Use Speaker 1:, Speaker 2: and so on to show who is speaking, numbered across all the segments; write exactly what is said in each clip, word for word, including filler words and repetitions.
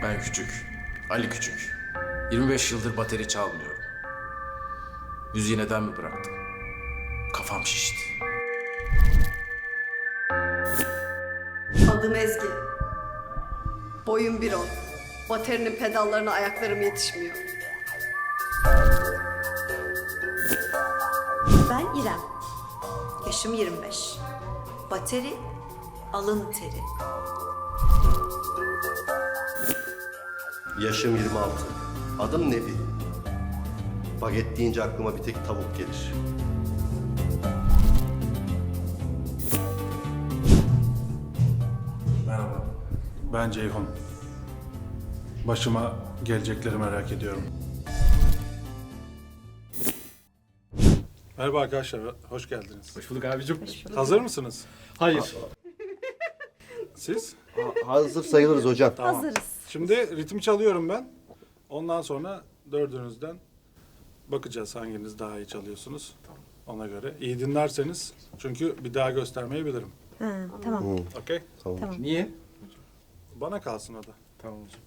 Speaker 1: Ben Küçük, Ali Küçük. yirmi beş yıldır bateri çalmıyorum. Müziği neden mi bıraktım? Kafam şişti.
Speaker 2: Adım Ezgi. Boyum bir on. Baterinin pedallarına ayaklarım yetişmiyor.
Speaker 3: Ben İrem. Yaşım yirmi beş. Bateri, alın teri.
Speaker 4: Yaşım yirmi altı. Adım Nebi. Baget deyince aklıma bir tek tavuk gelir.
Speaker 1: Merhaba.
Speaker 5: Ben Ceyhun. Başıma gelecekleri merak ediyorum. Merhaba arkadaşlar, hoş geldiniz.
Speaker 6: Hoş bulduk abicim.
Speaker 5: Hazır mısınız?
Speaker 6: Hayır.
Speaker 5: Siz?
Speaker 4: Ha- hazır sayılırız hocam.
Speaker 5: Tamam.
Speaker 3: Hazırız.
Speaker 5: Şimdi ritim çalıyorum ben. Ondan sonra dördünüzden bakacağız hanginiz daha iyi çalıyorsunuz. Ona göre. İyi dinlerseniz çünkü bir daha göstermeyebilirim.
Speaker 3: Ha, tamam.
Speaker 5: Okey?
Speaker 4: Tamam.
Speaker 6: Niye?
Speaker 5: Bana kalsın o da.
Speaker 6: Tamam hocam.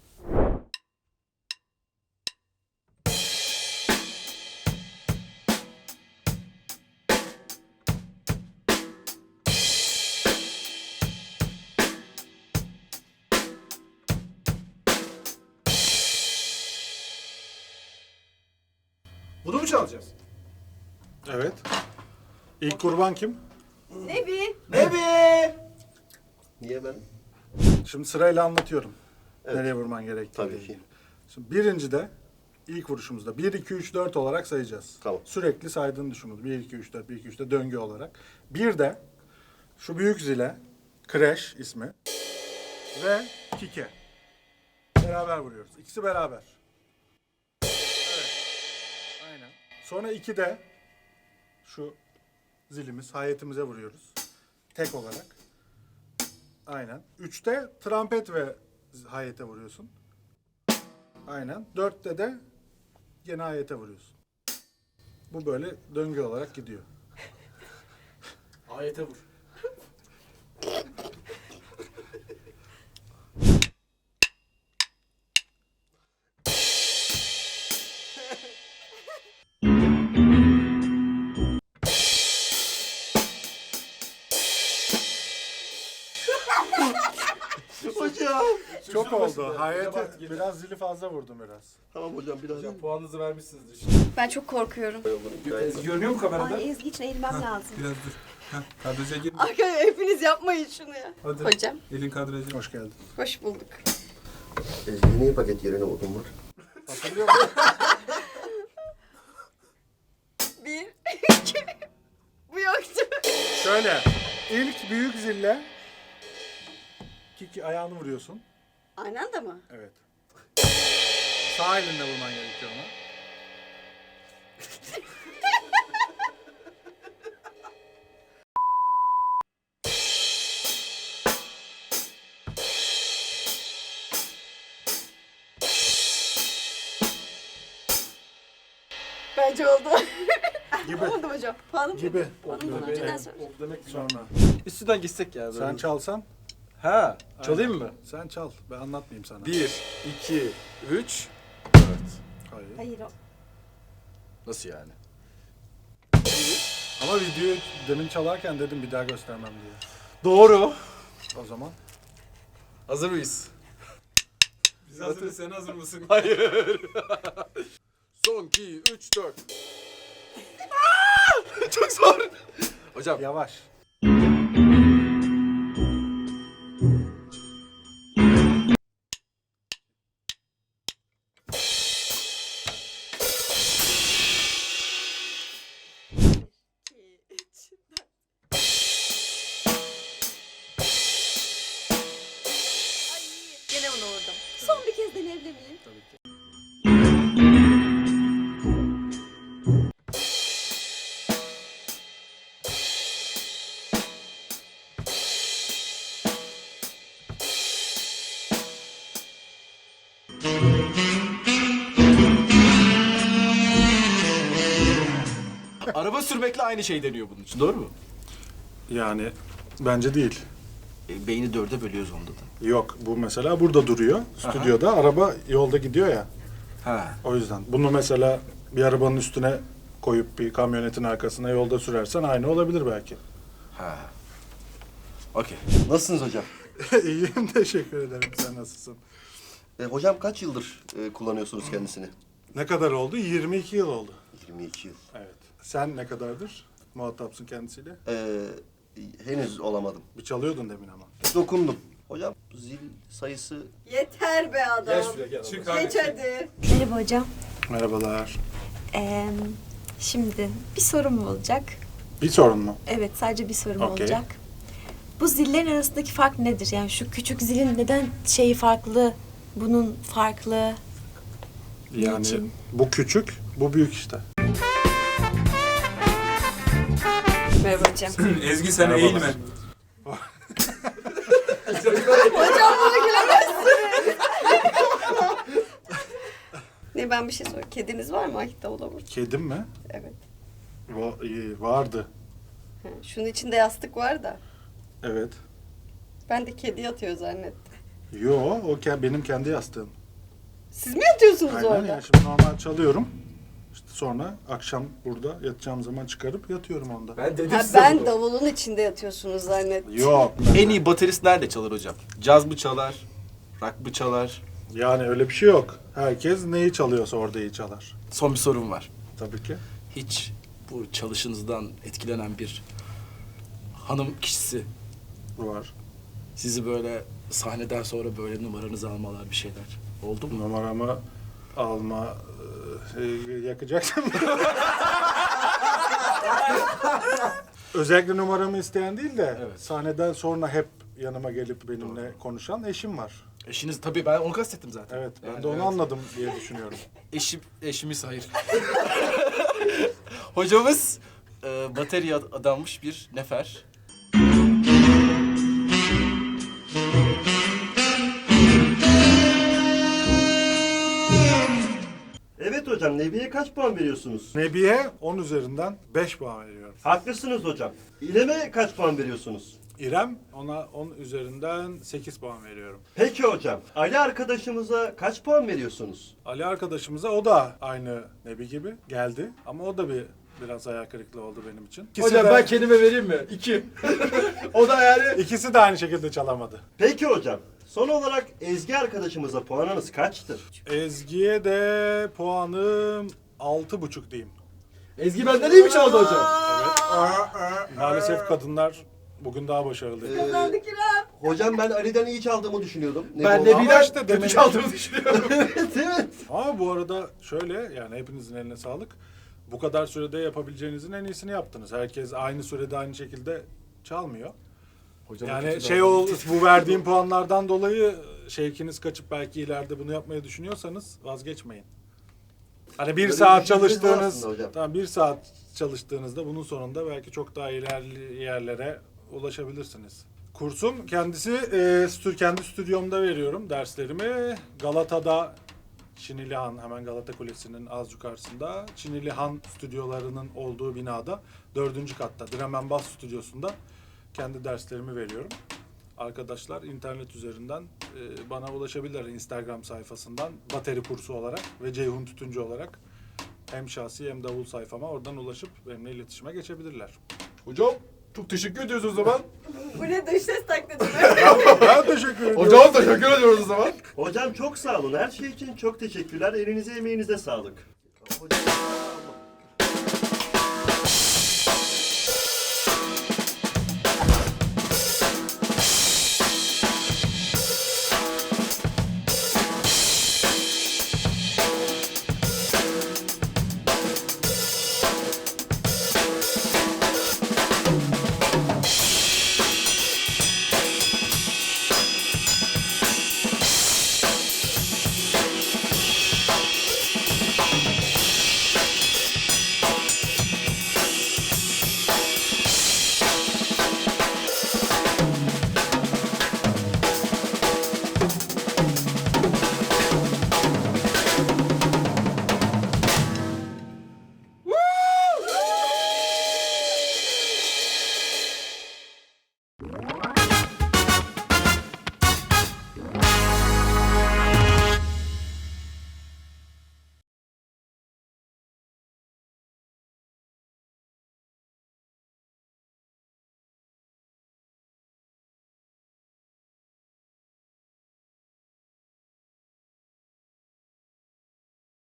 Speaker 6: Bunu mu çalacağız?
Speaker 5: Evet. İlk kurban kim?
Speaker 2: Nebi.
Speaker 6: Nebi!
Speaker 4: Niye ben?
Speaker 5: Şimdi sırayla anlatıyorum.
Speaker 4: Evet.
Speaker 5: Nereye vurman gerektiğini.
Speaker 4: Tabii ki.
Speaker 5: Şimdi birincide ilk vuruşumuzda bir, iki, üç, dört olarak sayacağız.
Speaker 4: Tamam.
Speaker 5: Sürekli saydığını düşün bunu. bir, iki, üç, dört, bir, iki, üç, dört döngü olarak. Bir de şu büyük zile, Crash ismi ve Kike. Beraber vuruyoruz. İkisi beraber. Evet. Aynen. Sonra iki de şu zilimiz, hayetimize vuruyoruz. Tek olarak. Aynen. Üçte trompet ve hayete vuruyorsun. Aynen. Dörtte de gene hayete vuruyorsun. Bu böyle döngü olarak gidiyor.
Speaker 6: Ayete vur.
Speaker 4: Hocam.
Speaker 5: Çok oldu.
Speaker 6: bak,
Speaker 5: Hayete
Speaker 6: geliyor.
Speaker 5: biraz zili fazla vurdum biraz.
Speaker 4: Tamam hocam biraz.
Speaker 6: Hocam puanınızı vermişsinizdir işte.
Speaker 2: Ben çok korkuyorum.
Speaker 6: Görünüyor mu kamerada?
Speaker 3: Ay Ezgi için eğilmem lazım.
Speaker 7: Biraz dur. Heh, kadraja gir.
Speaker 2: Arkadaşlar hepiniz yapmayın şunu ya.
Speaker 7: Hadi.
Speaker 2: Hocam
Speaker 7: Elin kadraja.
Speaker 5: Hoş geldin.
Speaker 2: hoş bulduk.
Speaker 4: Ezgi niye paket yerine odun var?
Speaker 5: Hatırlıyor musun?
Speaker 2: Bir, iki. Bu yoktu.
Speaker 5: Şöyle. İlk büyük zille Kiki ayağını vuruyorsun.
Speaker 2: Aynı anda mı?
Speaker 5: Evet. Sağ elinle vurman gerekiyor ona.
Speaker 2: Bence oldu.
Speaker 5: Gibi.
Speaker 2: Oldu hocam. Puanım
Speaker 5: Gibi.
Speaker 2: Puanım önceden sor.
Speaker 6: Oldu demek ki.
Speaker 5: Sonra.
Speaker 6: Üstünden gitsek ya.
Speaker 5: Sen çalsan.
Speaker 6: Ha, çalayım mı?
Speaker 5: Sen çal. Ben anlatmayayım sana.
Speaker 6: Bir, iki, üç, dört.
Speaker 5: Hayır.
Speaker 3: Hayır o.
Speaker 6: Nasıl yani?
Speaker 5: Ama videoyu demin çalarken dedim bir daha göstermem diye.
Speaker 6: Doğru.
Speaker 5: O zaman.
Speaker 6: Hazır mıyız?
Speaker 7: Biz hazırız, sen hazır mısın?
Speaker 6: Hayır. Son iki, üç, dört. Çok zor. Hocam.
Speaker 5: Yavaş.
Speaker 3: Gene onu vurdum. Son bir kez deneyebilir miyim?
Speaker 5: Tabii ki.
Speaker 6: Araba sürmekle aynı şey deniyor bunun için. Doğru mu?
Speaker 5: Yani bence değil.
Speaker 1: E, beyni dörde bölüyoruz onda da.
Speaker 5: Yok, bu mesela burada duruyor. Stüdyoda araba yolda gidiyor ya.
Speaker 1: Ha.
Speaker 5: O yüzden. Bunu mesela bir arabanın üstüne koyup bir kamyonetin arkasına yolda sürersen aynı olabilir belki.
Speaker 1: Ha. Okey.
Speaker 4: Nasılsınız hocam?
Speaker 5: İyiyim, teşekkür ederim. Sen nasılsın?
Speaker 4: E, hocam kaç yıldır e, kullanıyorsunuz kendisini?
Speaker 5: Ne kadar oldu? yirmi iki yıl oldu.
Speaker 4: yirmi iki yıl.
Speaker 5: Evet. Sen ne kadardır muhatapsın kendisiyle?
Speaker 4: E, henüz olamadım.
Speaker 5: Bir çalıyordun demin ama.
Speaker 4: Dokundum. Hocam zil sayısı
Speaker 2: Yeter be adam.
Speaker 7: Gel şuraya gel. Çık hadi.
Speaker 2: Geç hadi.
Speaker 3: Merhaba hocam.
Speaker 5: Merhabalar.
Speaker 3: Ee, şimdi bir sorum olacak.
Speaker 5: Bir sorun mu?
Speaker 3: Evet, sadece bir sorum
Speaker 5: Okey.
Speaker 3: olacak. Bu zillerin arasındaki fark nedir? Yani şu küçük zilin neden şeyi farklı, bunun farklı?
Speaker 5: Yani
Speaker 3: Niçin?
Speaker 5: bu küçük, bu büyük işte.
Speaker 3: Merhaba hocam.
Speaker 7: Ezgi sen
Speaker 5: Merhabalar.
Speaker 7: eğilme.
Speaker 2: Ne ben bir şey sorayım. Kediniz var mı Akit Davulaburç?
Speaker 5: Kedim mi?
Speaker 2: Evet.
Speaker 5: Va- iyi, vardı.
Speaker 2: Ha, şunun içinde yastık var da.
Speaker 5: Evet.
Speaker 2: Ben de kedi yatıyor zannettim.
Speaker 5: Yo, o ke- benim kendi yastığım.
Speaker 2: Siz mi yatıyorsunuz
Speaker 5: Aynen
Speaker 2: orada?
Speaker 5: yani şimdi normal çalıyorum. İşte sonra akşam burada yatacağım zaman çıkarıp yatıyorum onda.
Speaker 7: Ben dedim
Speaker 2: Ha,
Speaker 7: size
Speaker 2: ben
Speaker 7: bunu.
Speaker 2: davulun içinde yatıyorsunuz zannettim.
Speaker 5: Yok.
Speaker 1: En iyi baterist nerede çalar hocam? Caz mı çalar? Rock mı çalar?
Speaker 5: Yani öyle bir şey yok. Herkes neyi çalıyorsa orada iyi çalar.
Speaker 1: Son bir sorum var.
Speaker 5: Tabii ki.
Speaker 1: Hiç bu çalışınızdan etkilenen bir hanım kişisi
Speaker 5: Var.
Speaker 1: sizi böyle sahneden sonra böyle numaranızı almalar bir şeyler oldu mu?
Speaker 5: Numaramı alma e, yakacaksın. Özellikle numaramı isteyen değil de
Speaker 1: Evet.
Speaker 5: sahneden sonra hep yanıma gelip benimle konuşan eşim var.
Speaker 1: Eşiniz tabii ben onu kastettim zaten.
Speaker 5: Evet, ben
Speaker 1: Yani
Speaker 5: de onu
Speaker 1: evet.
Speaker 5: anladım diye düşünüyorum.
Speaker 1: Eşim, eşimiz hayır. Hocamız e, bateriye ad- adanmış bir nefer.
Speaker 4: Evet hocam, Nebi'ye kaç puan veriyorsunuz?
Speaker 5: Nebi'ye on üzerinden beş puan veriyorum.
Speaker 4: Haklısınız hocam. İrem'e kaç puan veriyorsunuz?
Speaker 5: İrem, ona on üzerinden sekiz puan veriyorum.
Speaker 4: Peki hocam, Ali arkadaşımıza kaç puan veriyorsunuz?
Speaker 5: Ali arkadaşımıza, o da aynı Nebi gibi geldi ama o da bir biraz hayal kırıklığı oldu benim için. İkisi
Speaker 6: Hocam
Speaker 5: de,
Speaker 6: ben kendime vereyim mi? İki. O da yani.
Speaker 5: ikisi de aynı şekilde çalamadı.
Speaker 4: Peki hocam, son olarak Ezgi arkadaşımıza puanınız kaçtır?
Speaker 5: Ezgi'ye de puanım altı buçuk diyeyim.
Speaker 6: Ezgi benden iyi mi çaldı hocam?
Speaker 5: Evet. Maalesef kadınlar bugün daha başarılı.
Speaker 2: Kazandık İrem.
Speaker 4: Hocam ben Ali'den iyi çaldığımı düşünüyordum. Ne
Speaker 6: Ben
Speaker 4: bu?
Speaker 6: de
Speaker 5: Ama
Speaker 6: bir
Speaker 5: işte
Speaker 6: işte
Speaker 5: demin-
Speaker 6: kötü çaldığımı düşünüyorum.
Speaker 4: Evet, evet.
Speaker 5: Ama bu arada şöyle, yani hepinizin eline sağlık. Bu kadar sürede yapabileceğinizin en iyisini yaptınız. Herkes aynı sürede aynı şekilde çalmıyor.
Speaker 6: Hocam
Speaker 5: Yani şey ol, bu verdiğim puanlardan dolayı şevkiniz kaçıp belki ileride bunu yapmayı düşünüyorsanız vazgeçmeyin. Hani bir
Speaker 4: Böyle
Speaker 5: saat
Speaker 4: bir fikriniz var
Speaker 5: çalıştığınız,
Speaker 4: aslında hocam.
Speaker 5: tamam bir saat çalıştığınızda bunun sonunda belki çok daha ilerli yerlere ulaşabilirsiniz. Kursum kendisi e, stü- kendi stüdyomda veriyorum derslerimi. Galata'da Çinilihan, hemen Galata Kulesi'nin az yukarısında Çinilihan stüdyolarının olduğu binada dördüncü katta Dremen Bass stüdyosunda kendi derslerimi veriyorum. Arkadaşlar internet üzerinden e, bana ulaşabilirler Instagram sayfasından bateri kursu olarak ve Ceyhun Tütüncü olarak hem şahsi hem davul sayfama oradan ulaşıp benimle iletişime geçebilirler.
Speaker 6: Hocam çok teşekkür ediyoruz o zaman.
Speaker 2: Bu ne dış ses taklidi mi?
Speaker 5: Ben teşekkür ediyorum.
Speaker 6: Hocam teşekkür ediyoruz o zaman.
Speaker 4: Hocam çok sağ olun. Her şey için çok teşekkürler. Elinize emeğinize sağlık. Hocam